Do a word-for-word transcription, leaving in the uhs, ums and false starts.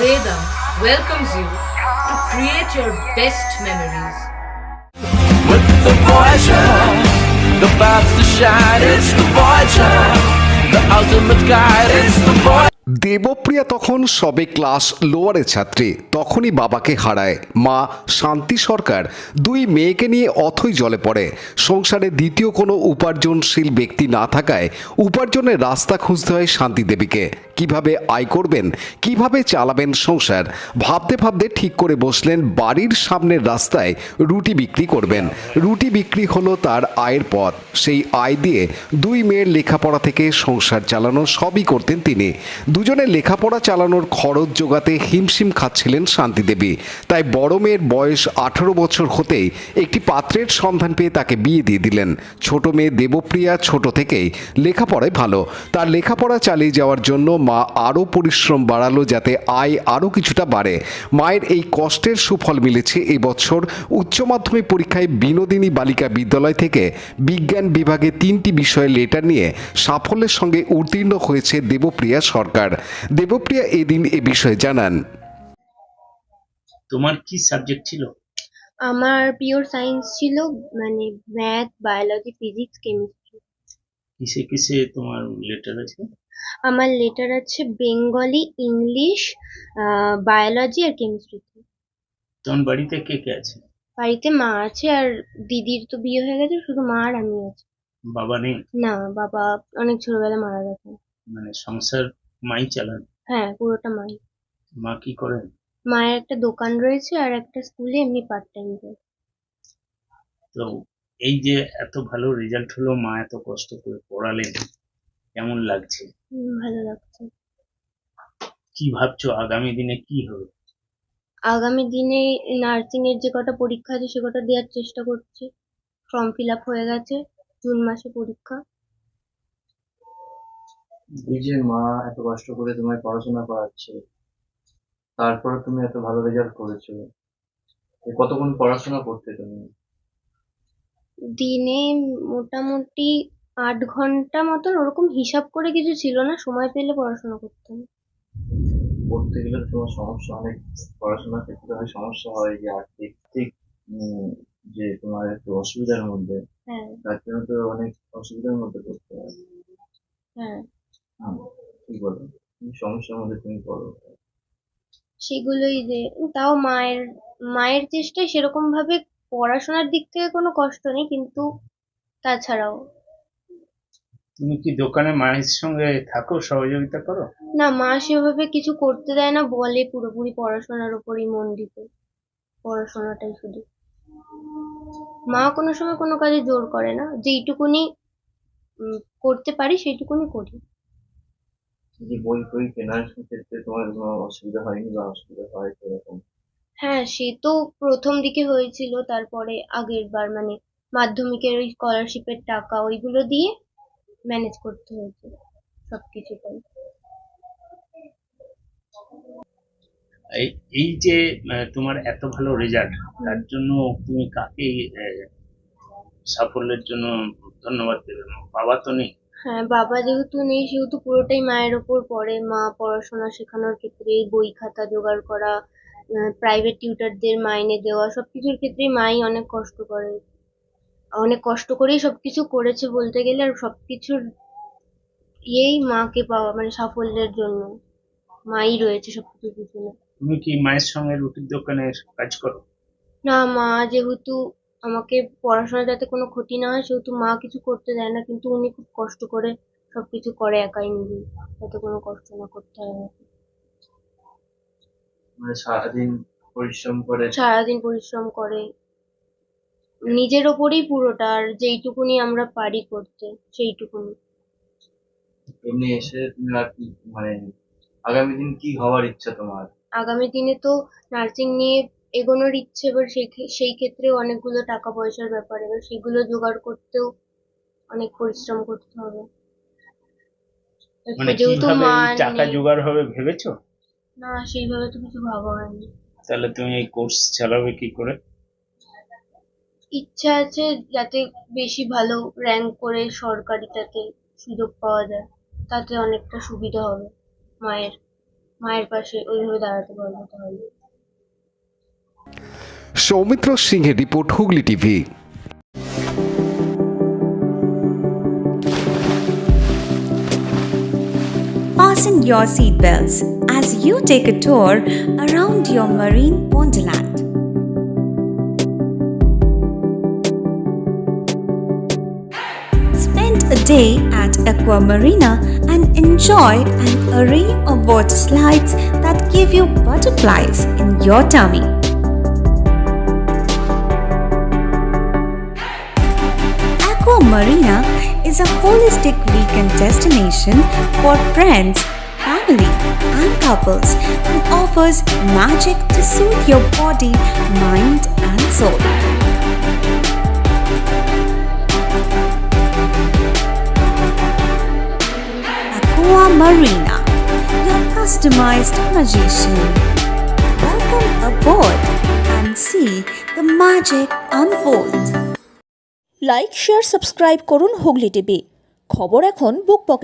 Vedam welcomes you to create your best memories. With the Voyager, the paths to shine, it's the Voyager, the ultimate guide, it's the Voyager. Debapriya তখন সবে class লোয়ারের ছাত্রী। তখনই বাবাকে হারায় মা শান্তি সরকার। দুই মেয়েকে নিয়ে অথই জলে পড়ে। সংসারে দ্বিতীয় কোনো উপার্জনশীল ব্যক্তি না থাকায় উপার্জনের রাস্তা খুঁজতে হয় শান্তি দেবীকে। কিভাবে আয় করবেন, কিভাবে চালাবেন সংসার, ভাবতে ভাবতে ঠিক করে বসলেন বাড়ির সামনের রাস্তায় রুটি বিক্রি করবেন। রুটি বিক্রি হলো তার আয়ের পথ। সেই আয় দিয়ে দুই মেয়ের লেখাপড়া থেকে সংসার চালানো সবই করতেন তিনি। দুজনের লেখাপড়া চালানোর খরচ জোগাতে হিমশিম খাচ্ছিলেন শান্তি দেবী। তাই বড় মেয়ের বয়স আঠারো বছর হতেই একটি পাত্রের সন্ধান পেয়ে তাকে বিয়ে দিয়ে দিলেন। ছোট মেয়ে দেবপ্রিয়া ছোট থেকেই লেখাপড়ায় ভালো। তার লেখাপড়া চালিয়ে যাওয়ার জন্য মা আরও পরিশ্রম বাড়ালো যাতে আয় আরও কিছুটা বাড়ে। মায়ের এই কষ্টের সুফল মিলেছে এবছর উচ্চ মাধ্যমিক পরীক্ষায় বিনোদিনী বালিকা বিদ্যালয় থেকে বিজ্ঞান বিভাগে তিনটি বিষয়ে লেটার নিয়ে সাফল্যের সঙ্গে উত্তীর্ণ হয়েছে দেবপ্রিয়া সরকার। দেবপ্রিয়া এদিন এ বিষয়ে জানান। তোমার কি সাবজেক্ট ছিল? আমার পিওর সায়েন্স ছিল, মানে ম্যাথ, বায়োলজি, ফিজিক্স, কেমিস্ট্রি। কিসে কিসে তোমার লেটার আছে? আমার লেটার আছে বেঙ্গলি, ইংলিশ, বায়োলজি আর কেমিস্ট্রিতে। তোমার বাড়িতে কে কে আছে? বাড়িতে মা আছে, আর দিদির তো বিয়ে হয়ে গেছে, শুধু মা আর আমি আছি। বাবা নেই? না, বাবা অনেক ছোটবেলায় মারা গেছে। মানে সংসার মাই চালান? হ্যাঁ, পুরোটা মাই। মা কি করেন? মায়ের একটা দোকান রয়েছে আর একটা স্কুলে এমনি পার্ট টাইম যায়। তো এই যে এত ভালো রেজাল্ট হলো, মা এত কষ্ট করে পড়ালেন, কেমন লাগছে? হুম, ভালো লাগছে। কি ভাবছো আগামী দিনে কি হবে? আগামী দিনে নার্সিং এর যে কটা পরীক্ষা আছে সে কটা দেওয়ার চেষ্টা করছি। ফর্ম ফিল আপ হয়ে গেছে, জুন মাসে পরীক্ষা। এই যে মা এত কষ্ট করে তোমায় পড়াশোনা করাচ্ছে, তারপরে তুমি এত ভালো রেজাল্ট করেছো, এ কতক্ষণ পড়াশোনা করতে তুমি? দিনে মোটামুটি আট ঘন্টা মতন, ওরকম হিসাব করে কিছু ছিল না, সময় পেলে পড়াশোনা করতাম। পড়তে গেলে তো তোমার সমস্যা অনেক, পড়াশোনার ক্ষেত্রে অনেক সমস্যা হয়, যে আর্থিক ঠিক উম, যে তোমার একটু অসুবিধার মধ্যে, হ্যাঁ তার জন্য তো অনেক অসুবিধার মধ্যে পড়তে হয়। হ্যাঁ হ্যাঁ, কি বলো, কি সমস্যার মধ্যে তুমি পড়ো? সেগুলোই যে, তাও মায়ের মায়ের চেষ্টায় সেরকম ভাবে পড়াশোনার দিক থেকে কোনো কষ্ট নেই, কিন্তু তাছাড়াও। তুমি কি দোকানে মায়ের সঙ্গে থাকো, সহযোগিতা করো? না, মা সেভাবে কিছু করতে দেয় না, বলে পুরোপুরি পড়াশোনার উপরই মন দিতে, পড়াশোনাটাই শুধু। মা কোনো সময় কোনো কাজে জোর করে না, যেইটুকুনি উম, করতে পারি সেইটুকুনি করি। এই যে বই বই কেনার ক্ষেত্রে তোমার কোনো অসুবিধা হয়নি বা অসুবিধা হয় সেরকম? হ্যাঁ, সে তো প্রথম দিকে হয়েছিল, তারপরে আগের বার মানে মাধ্যমিকের ওই স্কলারশিপের টাকা ওইগুলো দিয়ে ম্যানেজ করতে হয়েছে সবকিছুটাই। এই এই যে আহ, তোমার এত ভালো রেজাল্ট, তার জন্য তুমি কাকে আহ, সাফল্যের জন্য ধন্যবাদ দেবে? বাবা তো নেই? হ্যাঁ, বাবা যেহেতু নেই সেহেতু পুরোটাই মায়ের ওপর পড়ে। মা পড়াশোনা শেখানোর ক্ষেত্রে এই বই খাতা জোগাড় করা, প্রাইভেট টিউটরদের মাইনে দেওয়া, সবকিছুর ক্ষেত্রেই মাই অনেক কষ্ট করে। অনেক কষ্ট করেই সবকিছু করেছে বলতে গেলে, আর সবকিছুর ইয়েই মাকে পাওয়া, মানে সাফল্যের জন্য মাই রয়েছে সবকিছুর পিছনে। তুমি কি মায়ের সঙ্গে রুটির দোকানের কাজ করো? না, মা যেহেতু আমাকে পড়াশোনা যাতে কোনো ক্ষতি না হয় সেহেতু মা কিছু করতে দেয় না, কিন্তু উনি খুব কষ্ট করে সবকিছু করে একাই নিজেই, যাতে কোনো কষ্ট না করতে হয় আমাকে। মানে সারাদিন পরিশ্রম করে? সারাদিন পরিশ্রম করে নিজের ওপরেই পুরোটা, আর যেইটুকুনি আমরা পারি করতে সেইটুকুনি। এমনি এসে তুমি আর কি, মানে আগামী দিন কি হওয়ার ইচ্ছা তোমার? আগামী দিনে তো নার্সিং নিয়ে এগোনোর ইচ্ছে, এবার সেই ক্ষে- সেই ক্ষেত্রেও অনেকগুলো টাকা পয়সার ব্যাপার, এবার সেগুলো জোগাড় করতেও অনেক পরিশ্রম করতে হবে। মানে যেহেতু কিভাবে মা এই টাকা নেই, জোগাড় হবে ভেবেছো? না সেইভাবে তো কিছু ভাবা হয়নি। তাহলে তুমি এই কোর্স চালাবে কি করে? ইচ্ছা আছে যাতে বেশি ভালো র্যাঙ্ক করে সরকারিটাতে সুযোগ পাওয়া যায়, তাতে অনেকটা সুবিধা হবে মায়ের। মায়ের পাশে ওইভাবে দাঁড়াতে পারবো তাহলে। সৌমিত্র সিংহের report, Hooghly TV. Fasten your seatbelts as you take a tour around your marine wonderland. Spend a day at Aqua Marina and enjoy an array of water slides that give you butterflies in your tummy. Aqua Marina is a holistic weekend destination for friends, family, and couples and offers magic to soothe your body, mind, and soul. Aqua Marina, your customized magician. Welcome aboard and see the magic unfold. Like share subscribe করুন Hooghly TV. খবর এখন বুক পকেটে।